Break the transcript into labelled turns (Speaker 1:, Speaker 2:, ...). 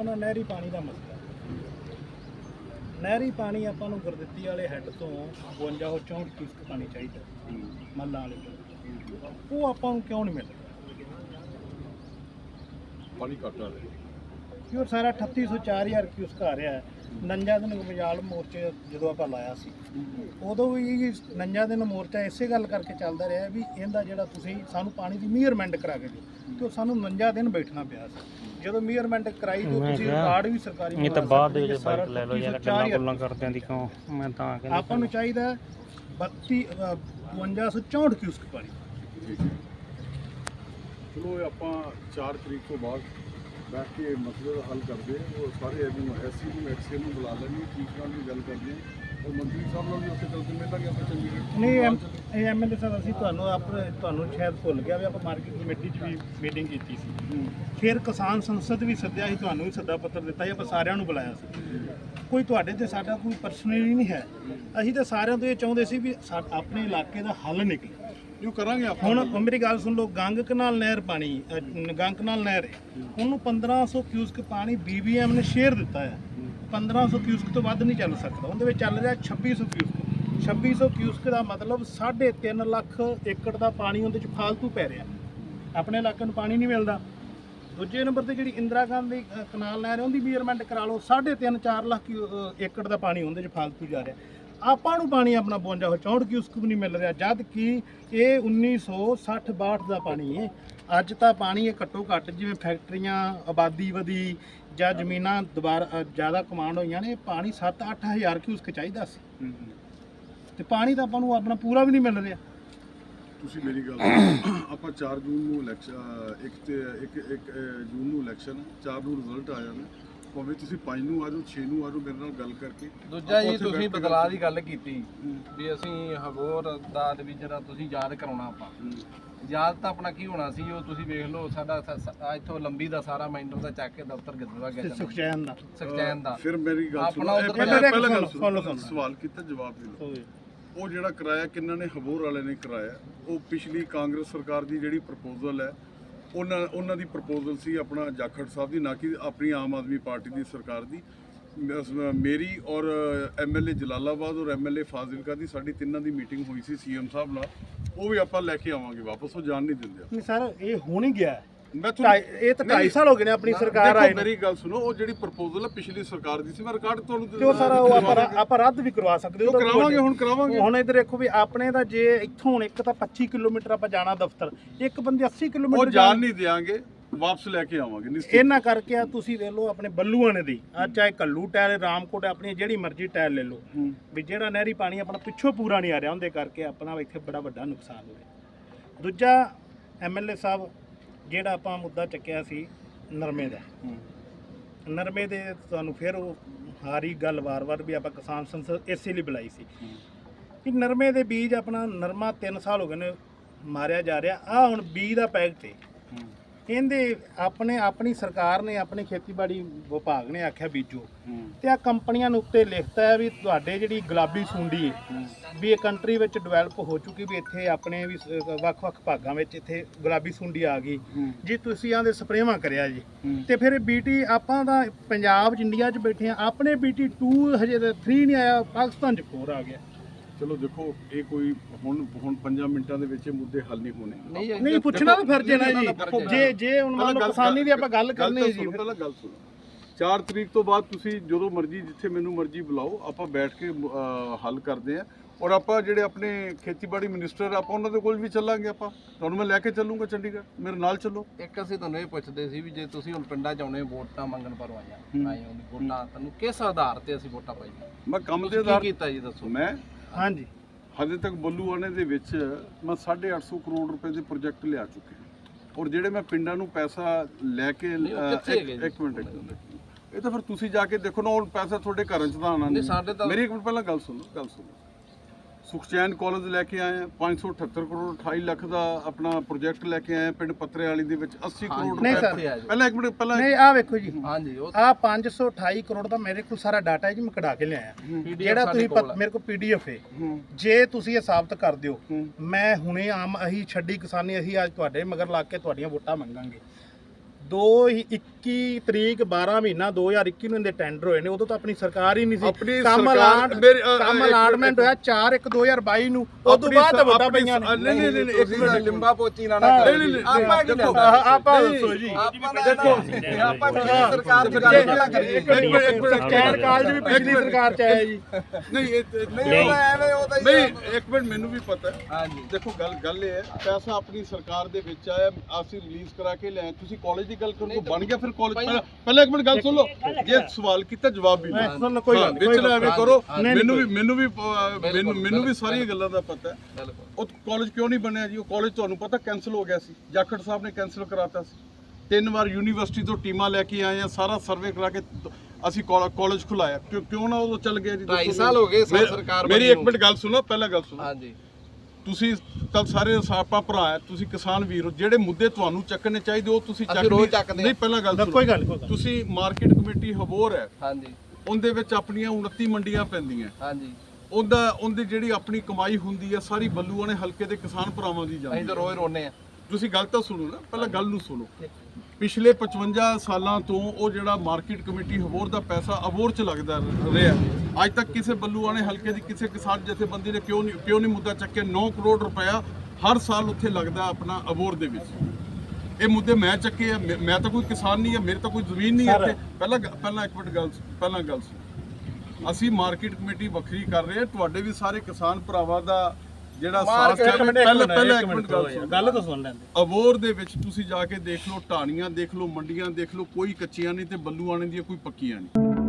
Speaker 1: ਆਪਣਾ ਨਹਿਰੀ ਪਾਣੀ ਦਾ ਮਸਲਾ। ਨਹਿਰੀ ਪਾਣੀ ਆਪਾਂ ਨੂੰ ਗੁਰਦਿੱਤੀ ਵਾਲੇ ਹੈੱਡ ਤੋਂ 52 64 ਕਿਊਸਕ ਪਾਣੀ ਚਾਹੀਦਾ ਮੱਲਾਂ ਵਾਲੇ ਤੋਂ। ਉਹ ਆਪਾਂ ਨੂੰ ਕਿਉਂ ਨਹੀਂ ਮਿਲ ਰਿਹਾ?
Speaker 2: ਪਾਣੀ ਘੱਟ ਆ ਰਿਹਾ
Speaker 1: ਕਿ ਉਹ ਸਾਰਾ 3800 4000 ਕਿਊਸਕ ਆ ਰਿਹਾ ਹੈ। 49 ਦਿਨ ਮਜਾਲ ਮੋਰਚੇ ਜਦੋਂ ਆਪਾਂ ਲਾਇਆ ਸੀ ਉਦੋਂ ਵੀ 49 ਦਿਨ ਮੋਰਚਾ ਇਸੇ ਗੱਲ ਕਰਕੇ ਚੱਲਦਾ ਰਿਹਾ ਵੀ ਇਹਦਾ ਜਿਹੜਾ ਤੁਸੀਂ ਸਾਨੂੰ ਪਾਣੀ ਦੀ ਮੀਅਰਮੈਂਟ ਕਰਾ ਕੇ ਦਿਓ, ਕਿ ਉਹ ਸਾਨੂੰ 49 ਦਿਨ ਬੈਠਣਾ ਪਿਆ ਸੀ। ਜਦੋਂ ਮੀਅਰਮੈਂਟ ਕਰਾਈ ਤੇ ਤੁਸੀਂ ਰਿਕਾਰਡ ਵੀ ਸਰਕਾਰੀ
Speaker 3: ਇਹ ਤਾਂ ਬਾਅਦ ਦੇ ਵਿੱਚ ਬਾਈਕ ਲੈ ਲਓ ਯਾਰ, ਗੱਲਾਂ ਗੁੱਲਾਂ ਕਰਦਿਆਂ ਦੀ ਕਿਉਂ? ਮੈਂ ਤਾਂ ਕਹਿੰਦਾ
Speaker 1: ਆਪਾਂ ਨੂੰ ਚਾਹੀਦਾ 5264 ਕਿਊਸਕ ਪਾਣੀ।
Speaker 2: ਠੀਕ ਹੈ, ਚਲੋ ਇਹ ਆਪਾਂ 4 ਤਰੀਕ ਤੋਂ ਬਾਅਦ ਬੈਠ ਕੇ ਮਸਲੇ ਦਾ ਹੱਲ ਕਰਦੇ ਹਾਂ। ਉਹ ਸਾਰੇ ਐਸਸੀ ਨੂੰ ਐਕਸਐਲ ਨੂੰ ਬੁਲਾ ਲੈਣਗੇ, ਚੀਫ ਨਾਲ ਵੀ ਗੱਲ ਕਰਦੇ ਹਾਂ, ਔਰ ਮੰਤਰੀ ਸਾਹਿਬ ਨਾਲ ਵੀ ਉੱਥੇ ਚੱਲ ਕੇ ਮਿਲਾਂਗੇ ਆਪਾਂ ਚੰਡੀਗੜ੍ਹ।
Speaker 1: ਨਹੀਂ ਐਮਐਲਏ ਸਾਹਿਬ, ਅਸੀਂ ਤੁਹਾਨੂੰ ਸ਼ਾਇਦ ਭੁੱਲ ਗਿਆ ਵੀ ਆਪਾਂ ਮਾਰਕੀਟ ਕਮੇਟੀ 'ਚ ਵੀ ਮੀਟਿੰਗ ਕੀਤੀ ਸੀ, ਫਿਰ ਕਿਸਾਨ ਸੰਸਦ ਵੀ ਸੱਦਿਆ ਸੀ, ਤੁਹਾਨੂੰ ਵੀ ਸੱਦਾ ਪੱਤਰ ਦਿੱਤਾ ਸੀ, ਆਪਾਂ ਸਾਰਿਆਂ ਨੂੰ ਬੁਲਾਇਆ ਸੀ। ਕੋਈ ਤੁਹਾਡੇ ਤੇ ਸਾਡਾ ਕੋਈ ਪਰਸਨਲੀ ਨਹੀਂ ਹੈ, ਅਸੀਂ ਤਾਂ ਸਾਰਿਆਂ ਤੋਂ ਇਹ ਚਾਹੁੰਦੇ ਸੀ ਵੀ ਆਪਣੇ ਇਲਾਕੇ ਦਾ ਹੱਲ ਨਿਕਲੇ।
Speaker 2: ਜੋ ਕਰਾਂਗੇ ਆਪਾਂ।
Speaker 1: ਹੁਣ ਮੇਰੀ ਗੱਲ ਸੁਣ ਲਓ, ਗੰਗ ਕਨਾਲ ਨਹਿਰ ਪਾਣੀ ਗੰਗ ਕਨਾਲ ਨਹਿਰ ਹੈ, ਉਹਨੂੰ 1500 ਕਿਊਸਕ ਪਾਣੀ BBM ਨੇ ਸ਼ੇਅਰ ਦਿੱਤਾ ਹੈ। 1500 ਕਿਊਸਕ ਤੋਂ ਵੱਧ ਨਹੀਂ ਚੱਲ ਸਕਦਾ, ਉਹਦੇ ਵਿੱਚ ਚੱਲ ਰਿਹਾ 2600 ਕਿਊਸਕ। 2600 ਕਿਊਸਕ ਦਾ ਮਤਲਬ 3.5 ਲੱਖ ਏਕੜ ਦਾ ਪਾਣੀ ਉਹਦੇ 'ਚ ਫਾਲਤੂ ਪੈ ਰਿਹਾ। ਆਪਣੇ ਇਲਾਕੇ ਨੂੰ ਪਾਣੀ ਨਹੀਂ ਮਿਲਦਾ। ਦੂਜੇ ਨੰਬਰ ਤੇ ਜਿਹੜੀ ਇੰਦਰਾ ਗਾਂਧੀ ਕਨਾਲ ਨਹਿਰ ਉਹਦੀ ਮੀਅਰਮੈਂਟ ਕਰਾ ਲਓ, 3.5-4 ਲੱਖ ਏਕੜ ਦਾ ਪਾਣੀ ਉਹਦੇ 'ਚ ਫਾਲਤੂ ਜਾ ਰਿਹਾ। ਆਪਾਂ ਨੂੰ ਪਾਣੀ ਆਪਣਾ 5264 ਕਿਊਸਕ ਵੀ ਨਹੀਂ ਮਿਲ ਰਿਹਾ, ਜਦ ਕਿ ਇਹ 1960-62 ਦਾ ਪਾਣੀ ਹੈ। ਅੱਜ ਤਾਂ ਪਾਣੀ ਇਹ ਘੱਟੋ ਘੱਟ ਜਿਵੇਂ ਫੈਕਟਰੀਆਂ ਆਬਾਦੀ ਵਧੀ ਜਾਂ ਜ਼ਮੀਨਾਂ ਦੁਬਾਰਾ ਜ਼ਿਆਦਾ ਕਮਾਂਡ ਹੋਈਆਂ ਨੇ, ਪਾਣੀ 7-8 ਹਜ਼ਾਰ ਕਿਊਸਕ ਚਾਹੀਦਾ ਸੀ ਤੇ ਪਾਣੀ ਤਾਂ ਆਪਾਂ ਨੂੰ ਆਪਣਾ ਪੂਰਾ ਵੀ ਨਹੀਂ ਮਿਲ ਰਿਹਾ।
Speaker 2: ਤੁਸੀਂ ਮੇਰੀ ਗੱਲ ਸੁਣੋ, ਆਪਾਂ 4 ਜੂਨ ਨੂੰ ਇਲੈਕਸ਼ਨ 1 ਜੂਨ ਨੂੰ ਇਲੈਕਸ਼ਨ, 4 ਨੂੰ ਰਿਜ਼ਲਟ ਆ ਜਾਣਾ, ਭਾਵੇਂ ਤੁਸੀਂ 5 ਨੂੰ ਆ ਜਾਓ 6 ਨੂੰ ਆ ਜਾਓ, ਮੇਰੇ ਨਾਲ ਗੱਲ ਕਰਕੇ।
Speaker 4: ਦੂਜਾ ਜੀ ਤੁਸੀਂ ਬਦਲਾਅ ਦੀ ਗੱਲ ਕੀਤੀ ਵੀ ਅਸੀਂ ਹਬੋਰ ਦਾ ਵੀ ਜਿਹੜਾ ਤੁਸੀਂ ਯਾਦ ਕਰਾਉਣਾ, ਆਪਾਂ ਯਾਦ ਤਾਂ ਆਪਣਾ ਕੀ ਹੋਣਾ ਸੀ, ਉਹ ਤੁਸੀਂ ਵੇਖ ਲਓ ਸਾਡਾ ਇੱਥੋਂ ਲੰਬੀ ਦਾ ਸਾਰਾ ਮੈਂਟਰ ਦਾ ਚੱਕ ਕੇ ਦਫ਼ਤਰ ਗਿੱਦਵਾ ਗਿਆ ਸੁਖਚੈਨ ਦਾ।
Speaker 2: ਫਿਰ ਮੇਰੀ ਗੱਲ ਸੁਣੋ, ਪਹਿਲਾਂ ਸਵਾਲ ਕੀਤਾ ਜਵਾਬ ਦੇ ਲਓ। ਉਹ ਜਿਹੜਾ ਕਿਰਾਇਆ ਕਿੰਨਾ ਨੇ ਹਬੋਰ ਵਾਲੇ ਨੇ ਕਰਾਇਆ, ਉਹ ਪਿਛਲੀ ਕਾਂਗਰਸ ਸਰਕਾਰ ਦੀ ਜਿਹੜੀ ਪ੍ਰਪੋਜ਼ਲ ਹੈ ਉਹਨਾਂ ਦੀ ਪ੍ਰਪੋਜ਼ਲ ਸੀ ਆਪਣਾ ਜਾਖੜ ਸਾਹਿਬ ਦੀ, ਨਾ ਕਿ ਆਪਣੀ ਆਮ ਆਦਮੀ ਪਾਰਟੀ ਦੀ ਸਰਕਾਰ ਦੀ। ਮੇਰੀ ਔਰ MLA ਜਲਾਲਾਬਾਦ ਔਰ MLA ਫਾਜ਼ਿਲਕਾ ਦੀ ਸਾਡੀ ਤਿੰਨਾਂ ਦੀ ਮੀਟਿੰਗ ਹੋਈ ਸੀ CM ਸਾਹਿਬ ਨਾਲ, ਉਹ ਵੀ ਆਪਾਂ ਲੈ ਕੇ ਆਵਾਂਗੇ ਵਾਪਸ, ਉਹ ਜਾਣ ਨਹੀਂ ਦਿੰਦੇ।
Speaker 1: ਨਹੀਂ ਸਰ, ਇਹ ਹੋ ਨਹੀਂ ਗਿਆ।
Speaker 2: ਮੈਂ
Speaker 1: ਇਹ ਤਾਂ 2.5 ਸਾਲ ਹੋ ਗਏ ਨੇ ਆਪਣੀ ਸਰਕਾਰ ਆਈ।
Speaker 2: ਮੇਰੀ ਗੱਲ ਸੁਣੋ, ਉਹ ਜਿਹੜੀ ਪ੍ਰਪੋਜ਼ਲ ਹੈ ਪਿਛਲੀ ਸਰਕਾਰ ਦੀ ਸੀ, ਮੈਂ ਰਿਕਾਰਡ ਤੁਹਾਨੂੰ
Speaker 1: ਤੇ ਸਾਰਾ ਉਹ ਆਪਾਂ ਰੱਦ ਵੀ ਕਰਵਾ ਸਕਦੇ
Speaker 2: ਹਾਂ। ਕਰਾਵਾਂਗੇ, ਹੁਣ ਕਰਾਵਾਂਗੇ।
Speaker 1: ਹੁਣ ਇੱਧਰ ਦੇਖੋ ਵੀ ਆਪਣੇ ਦਾ ਜੇ ਇੱਥੋਂ ਹੁਣ ਇੱਕ ਤਾਂ 25 ਕਿਲੋਮੀਟਰ ਆਪਾਂ ਜਾਣਾ ਦਫ਼ਤਰ, ਇੱਕ ਬੰਦੇ 80 ਕਿਲੋਮੀਟਰ
Speaker 2: ਉਹ ਜਾਣ ਨਹੀਂ ਦਿਆਂਗੇ, ਵਾਪਸ ਲੈ ਕੇ ਆਵਾਂਗੇ।
Speaker 1: ਇਹਨਾਂ ਕਰਕੇ ਆ ਤੁਸੀਂ ਵੇਖ ਲਓ ਆਪਣੇ ਬੱਲੂਆਣੇ ਦੀ ਆ, ਚਾਹੇ ਕੱਲੂ ਟਾਇਲ ਰਾਮਕੋਟ, ਆਪਣੀ ਜਿਹੜੀ ਮਰਜ਼ੀ ਟਾਇਲ ਲੈ ਲਓ, ਵੀ ਜਿਹੜਾ ਨਹਿਰੀ ਪਾਣੀ ਆਪਣਾ ਪਿੱਛੋਂ ਪੂਰਾ ਨਹੀਂ ਆ ਰਿਹਾ, ਉਹਦੇ ਕਰਕੇ ਆਪਣਾ ਇੱਥੇ ਬੜਾ ਵੱਡਾ ਨੁਕਸਾਨ ਹੋ ਰਿਹਾ। ਦੂਜਾ MLA ਸਾਹਿਬ, ਜਿਹੜਾ ਆਪਾਂ ਮੁੱਦਾ ਚੱਕਿਆ ਸੀ ਨਰਮੇ ਦਾ, ਨਰਮੇ ਦੇ ਤੁਹਾਨੂੰ ਫਿਰ ਉਹ ਹਾਰੀ ਗੱਲ ਵਾਰ-ਵਾਰ ਵੀ ਆਪਾਂ ਕਿਸਾਨ ਸੰਸਦ ਇਸੇ ਲਈ ਬੁਲਾਈ ਸੀ ਕਿ ਨਰਮੇ ਦੇ ਬੀਜ ਆਪਣਾ ਨਰਮਾ 3 ਸਾਲ ਹੋ ਗਏ ਨੇ ਮਾਰਿਆ ਜਾ ਰਿਹਾ। ਆ ਹੁਣ ਬੀਜ ਦਾ ਪੈਕਟ ਹੈ, ਕਹਿੰਦੇ ਆਪਣੀ ਸਰਕਾਰ ਨੇ, ਆਪਣੀ ਖੇਤੀਬਾੜੀ ਵਿਭਾਗ ਨੇ ਆਖਿਆ ਬੀਜੋ, ਤੇ ਆ ਕੰਪਨੀਆਂ ਨੂੰ ਉੱਤੇ ਲਿਖਤਾ ਹੈ ਵੀ ਤੁਹਾਡੇ ਜਿਹੜੀ ਗੁਲਾਬੀ ਸੁੰਡੀ ਹੈ ਵੀ ਇਹ ਕੰਟਰੀ ਵਿੱਚ ਡਿਵੈਲਪ ਹੋ ਚੁੱਕੀ, ਵੀ ਇੱਥੇ ਆਪਣੇ ਵੀ ਵੱਖ-ਵੱਖ ਭਾਗਾਂ ਵਿੱਚ ਇੱਥੇ ਗੁਲਾਬੀ ਸੁੰਡੀ ਆ ਗਈ ਜੀ, ਤੁਸੀਂ ਆਂਦੇ ਸਪਰੇਵਾਂ ਕਰਿਆ ਜੀ। ਤੇ ਫਿਰ BT ਆਪਾਂ ਤਾਂ ਪੰਜਾਬ 'ਚ ਇੰਡੀਆ 'ਚ ਬੈਠੇ ਆ, ਆਪਣੇ BT 2 ਹਜੇ 3 ਨਹੀਂ ਆਇਆ, ਪਾਕਿਸਤਾਨ 'ਚ 4 ਆ ਗਿਆ।
Speaker 2: ਚਲੋ ਦੇਖੋ, ਇਹ ਕੋਈ ਹੁਣ 5 ਮਿੰਟਾਂ ਦੇ ਵਿੱਚ ਇਹ ਮੁੱਦੇ ਹੱਲ ਨਹੀਂ ਹੋਣੇ।
Speaker 1: ਨਹੀਂ ਪੁੱਛਣਾ ਤਾਂ ਫਰਜ਼ ਹੈ ਨਾ ਜੀ। ਜੇ ਹੁਣ ਮੰਨ ਲਓ ਕਿਸਾਨੀ ਦੀ ਆਪਾਂ ਗੱਲ ਕਰਨੀ ਜੀ,
Speaker 2: ਪਹਿਲਾਂ ਗੱਲ ਸੁਣੋ। 4 ਤਰੀਕ ਤੋਂ ਬਾਅਦ ਤੁਸੀਂ ਜਦੋਂ ਮਰਜ਼ੀ, ਜਿੱਥੇ ਮੈਨੂੰ ਮਰਜ਼ੀ ਬੁਲਾਓ, ਆਪਾਂ ਬੈਠ ਕੇ ਹੱਲ ਕਰਦੇ ਆਂ। ਔਰ ਆਪਾਂ ਜਿਹੜੇ ਆਪਣੇ ਖੇਤੀਬਾੜੀ ਮਿਨਿਸਟਰ, ਆਪਾਂ ਉਹਨਾਂ ਦੇ ਕੋਲ ਵੀ ਚੱਲਾਂਗੇ। ਆਪਾਂ ਤੁਹਾਨੂੰ ਮੈਂ ਲੈ ਕੇ ਚੱਲੂੰਗਾ ਚੰਡੀਗੜ੍ਹ, ਮੇਰੇ ਨਾਲ ਚੱਲੋ।
Speaker 4: ਇੱਕ ਅਸੀਂ ਤੁਹਾਨੂੰ ਇਹ ਪੁੱਛਦੇ ਸੀ ਵੀ ਜੇ ਤੁਸੀਂ ਹੁਣ ਪਿੰਡਾਂ 'ਚ ਆਉਣੇ, ਵੋਟਾਂ ਮੰਗਣ ਪਰ ਆਏ ਵੋਟਾਂ, ਤੁਹਾਨੂੰ ਕਿਸ ਆਧਾਰ ਤੇ ਅਸੀਂ ਵੋਟਾਂ ਪਾਈਆਂ?
Speaker 2: ਮੈਂ ਕੰਮ ਦੇ ਆਧਾਰ
Speaker 4: ਕੀਤਾ ਜੀ, ਦੱਸੋ।
Speaker 2: ਮੈਂ
Speaker 1: ਹਾਂਜੀ,
Speaker 2: ਹਜੇ ਤੱਕ ਬੱਲੂਆਣੇ ਦੇ ਵਿੱਚ ਮੈਂ 850 ਕਰੋੜ ਰੁਪਏ ਦੇ ਪ੍ਰੋਜੈਕਟ ਲਿਆ ਚੁੱਕੇ ਹਾਂ, ਔਰ ਜਿਹੜੇ ਮੈਂ ਪਿੰਡਾਂ ਨੂੰ ਪੈਸਾ ਲੈ ਕੇ ਇੱਕ ਮਿੰਟ ਇਹ ਤਾਂ ਫਿਰ ਤੁਸੀਂ ਜਾ ਕੇ ਦੇਖੋ ਨਾ, ਉਹ ਪੈਸਾ ਤੁਹਾਡੇ ਘਰਾਂ 'ਚ ਤਾਂ ਆਉਣਾ ਨਹੀਂ। ਮੇਰੀ ਇੱਕ ਮਿੰਟ ਪਹਿਲਾਂ ਗੱਲ ਸੁਣੋ। ਸੁਖਚੈਨ ਕਾਲਜ ਲੈ ਕੇ ਆਏ 578 ਕਰੋੜ 28 ਲੱਖ ਦਾ ਆਪਣਾ ਪ੍ਰੋਜੈਕਟ ਲੈ ਕੇ ਆਏ ਪਿੰਡ ਪੱਤਰੇ ਵਾਲੀ ਦੇ ਵਿੱਚ 80 ਕਰੋੜ
Speaker 1: ਨਹੀਂ ਸਰ,
Speaker 2: ਪਹਿਲਾਂ ਇੱਕ ਮਿੰਟ ਪਹਿਲਾਂ
Speaker 1: ਨਹੀਂ ਆ ਵੇਖੋ ਜੀ,
Speaker 4: ਹਾਂਜੀ
Speaker 1: ਆ 528 ਕਰੋੜ ਦਾ ਮੇਰੇ ਕੋਲ ਸਾਰਾ ਡਾਟਾ ਹੈ ਜੀ, ਮੈਂ ਕਢਾ ਕੇ ਲਿਆਇਆ, ਜਿਹੜਾ ਤੁਸੀਂ ਮੇਰੇ ਕੋਲ PDF ਹੈ। ਜੇ ਤੁਸੀਂ ਇਹ ਸਾਬਤ ਕਰ ਦਿਓ, ਮੈਂ ਹੁਣੇ ਅਸੀਂ ਛੱਡੀ ਕਿਸਾਨੀ, ਅਸੀਂ ਅੱਜ ਤੁਹਾਡੇ ਮਗਰ ਲੱਗ ਕੇ ਤੁਹਾਡੀਆਂ ਵੋਟਾਂ ਮੰਗਾਂਗੇ। 21 ਤਰੀਕ 12 ਮਹੀਨਾ 2021 ਨੂੰ ਇਹਦੇ ਟੈਂਡਰ ਹੋਏ ਨੇ, ਉਦੋਂ ਤਾਂ ਆਪਣੀ ਸਰਕਾਰ ਹੀ ਨਹੀਂ ਸੀ।
Speaker 2: ਆਪਣੀ
Speaker 1: ਕੰਮ
Speaker 2: ਸਰਕਾਰ ਮੇਰੀ
Speaker 1: ਕੰਮ ਅਲਾਟਮੈਂਟ ਹੋਇਆ 4/1/2022 ਨੂੰ, ਉਦੋਂ ਬਾਅਦ ਵੋਟਾਂ ਪਈਆਂ ਨੇ।
Speaker 2: ਨਹੀਂ
Speaker 4: ਤੁਸੀਂ ਤਾਂ ਲਿੰਬਾ ਪੋਚੀ ਨਾ ਕਰੋ ਜੀ। ਆਪਾਂ ਕੀ ਲੈਂਦਾ?
Speaker 1: ਆਪਾਂ ਦੱਸੋ ਜੀ।
Speaker 4: ਆਪਾਂ ਦੇਖੋ ਆਪਾਂ ਪਿਛਲੀ ਸਰਕਾਰ ਦੀ ਗੱਲ ਪਹਿਲਾਂ ਕਰੀਏ।
Speaker 1: ਸਕੈਨ ਕਾਲਜ ਵੀ ਪਿਛਲੀ ਸਰਕਾਰ ਚ ਆਇਆ ਜੀ।
Speaker 2: ਨਹੀਂ
Speaker 4: ਨਹੀਂ ਉਹ ਐਵੇਂ ਉਹ ਤਾਂ ਹੀ
Speaker 2: ਨਹੀਂ ਇੱਕ ਮਿੰਟ, ਮੈਨੂੰ ਵੀ ਪਤਾ ਹੈ।
Speaker 4: ਹਾਂਜੀ
Speaker 2: ਦੇਖੋ ਗੱਲ ਇਹ ਹੈ, ਪੈਸਾ ਆਪਣੀ ਸਰਕਾਰ ਦੇ ਵਿੱਚ ਆਇਆ, ਅਸੀਂ ਰਿਲੀਜ਼ ਕਰਾ ਕੇ ਲਿਆਏ। ਤੁਸੀਂ ਕਾਲਜ ਦੀ ਗੱਲ ਕਰੋ, ਬਣ ਗਿਆ ਫਿਰ ਕਾਲਜ। ਪਹਿਲਾਂ ਇੱਕ ਮਿੰਟ ਗੱਲ ਸੁਣ ਲਓ, ਜੇ ਸਵਾਲ ਕੀਤਾ ਜਵਾਬ ਵੀ
Speaker 1: ਸੁਣ ਲਓ, ਕੋਈ ਗੱਲ ਨਹੀਂ,
Speaker 2: ਵਿੱਚ ਨਾ ਐਵੇਂ ਕਰੋ।
Speaker 1: ਨਹੀਂ,
Speaker 2: ਮੈਨੂੰ ਵੀ ਸਾਰੀਆਂ ਗੱਲਾਂ ਦਾ ਪਤਾ ਹੈ।
Speaker 4: ਬਿਲਕੁਲ।
Speaker 2: ਉਹ ਕਾਲਜ ਕਿਉਂ ਨਹੀਂ ਬਣਿਆ ਜੀ? ਉਹ ਕਾਲਜ ਤੁਹਾਨੂੰ ਪਤਾ ਕੈਨਸਲ ਹੋ ਗਿਆ ਸੀ, ਜਾਖੜ ਸਾਹਿਬ ਨੇ ਕੈਨਸਲ ਕਰਾਤਾ ਸੀ। 3 ਵਾਰ ਯੂਨੀਵਰਸਿਟੀ ਤੋਂ ਟੀਮਾਂ ਲੈ ਕੇ ਆਏ ਆ, ਸਾਰਾ ਸਰਵੇ ਕਰਾ ਕੇ ਅਸੀਂ ਕਾਲਜ ਖੁਲਾਇਆ। ਕਿਉਂ ਨਾ ਉਦੋਂ ਚੱਲ ਗਿਆ ਜੀ?
Speaker 4: 2.5 ਸਾਲ ਹੋ ਗਏ ਸਰਕਾਰ
Speaker 2: ਮੇਰੀ ਇੱਕ ਮਿੰਟ ਗੱਲ ਸੁਣੋ, ਪਹਿਲਾਂ ਗੱਲ ਸੁਣੋ।
Speaker 4: ਹਾਂਜੀ
Speaker 2: ਤੁਸੀਂ ਤਾਂ ਸਾਰੇ ਆਪਾਂ ਭਰਾ ਹੈ, ਤੁਸੀਂ ਕਿਸਾਨ ਵੀਰ ਹੋ। ਜਿਹੜੇ ਮੁੱਦੇ ਤੁਹਾਨੂੰ ਚੱਕਣੇ ਚਾਹੀਦੇ ਉਹ ਤੁਸੀਂ
Speaker 4: ਅਸੀਂ ਰੋਜ਼ ਚੱਕਦੇ
Speaker 2: ਨਹੀਂ। ਪਹਿਲਾਂ ਗੱਲ ਸੁਣੋ,
Speaker 1: ਕੋਈ ਗੱਲ ਨਹੀਂ।
Speaker 2: ਤੁਸੀਂ ਮਾਰਕੀਟ ਕਮੇਟੀ ਹਬੋਰ ਹੈ,
Speaker 4: ਹਾਂਜੀ
Speaker 2: ਉਹਦੇ ਵਿੱਚ ਆਪਣੀਆਂ 29 ਮੰਡੀਆਂ ਪੈਂਦੀਆਂ।
Speaker 4: ਹਾਂਜੀ
Speaker 2: ਉਹਦੀ ਜਿਹੜੀ ਆਪਣੀ ਕਮਾਈ ਹੁੰਦੀ ਹੈ ਸਾਰੀ ਬੱਲੂਆਣੇ ਹਲਕੇ ਦੇ ਕਿਸਾਨ ਭਰਾਵਾਂ ਦੀ ਜਾਂਦੀ
Speaker 4: ਅਸੀਂ ਤਾਂ ਰੋਜ਼ ਰੋਨੇ ਆ।
Speaker 2: ਤੁਸੀਂ ਗੱਲ ਤਾਂ ਸੁਣੋ ਨਾ, ਪਹਿਲਾਂ ਗੱਲ ਨੂੰ ਸੁਣੋ। ਪਿਛਲੇ 55 ਸਾਲਾਂ ਤੋਂ ਉਹ ਜਿਹੜਾ ਮਾਰਕੀਟ ਕਮੇਟੀ ਹਬੋਰ ਦਾ ਪੈਸਾ ਅਬੋਰ 'ਚ ਲੱਗਦਾ ਰਿਹਾ, ਅੱਜ ਤੱਕ ਕਿਸੇ ਬੱਲੂਆਣੇ ਹਲਕੇ ਦੀ ਕਿਸੇ ਕਿਸਾਨ ਜਥੇਬੰਦੀ ਨੇ ਕਿਉਂ ਨਹੀਂ ਮੁੱਦਾ ਚੱਕਿਆ? 9 ਕਰੋੜ ਰੁਪਇਆ ਹਰ ਸਾਲ ਉੱਥੇ ਲੱਗਦਾ ਆਪਣਾ ਅਬੋਰ ਦੇ ਵਿੱਚ। ਇਹ ਮੁੱਦੇ ਮੈਂ ਚੱਕੇ ਆ। ਮੈਂ ਤਾਂ ਕੋਈ ਕਿਸਾਨ ਨਹੀਂ ਆ, ਮੇਰੇ ਤਾਂ ਕੋਈ ਜ਼ਮੀਨ ਨਹੀਂ ਹੈ ਇੱਥੇ। ਪਹਿਲਾਂ ਇੱਕ ਮਿੰਟ ਗੱਲ ਸੁਣੋ। ਅਸੀਂ ਮਾਰਕੀਟ ਕਮੇਟੀ ਵੱਖਰੀ ਕਰ ਰਹੇ ਹਾਂ, ਤੁਹਾਡੇ ਵੀ ਸਾਰੇ ਕਿਸਾਨ ਭਰਾਵਾਂ ਦਾ ਜਿਹੜਾ ਸਾਥ ਹੈ। ਪਹਿਲਾਂ ਇੱਕ ਮਿੰਟ
Speaker 1: ਗੱਲ ਤਾਂ ਸੁਣ ਲੈਂਦੇ।
Speaker 2: ਅਬੋਰ ਦੇ ਵਿੱਚ ਤੁਸੀਂ ਜਾ ਕੇ ਦੇਖ ਲਓ, ਢਾਣੀਆਂ ਦੇਖ ਲਓ, ਮੰਡੀਆਂ ਦੇਖ ਲਓ, ਕੋਈ ਕੱਚੀਆਂ ਨਹੀਂ ਤੇ ਬੱਲੂਆਣੇ ਦੀਆਂ ਕੋਈ ਪੱਕੀਆਂ ਨਹੀਂ।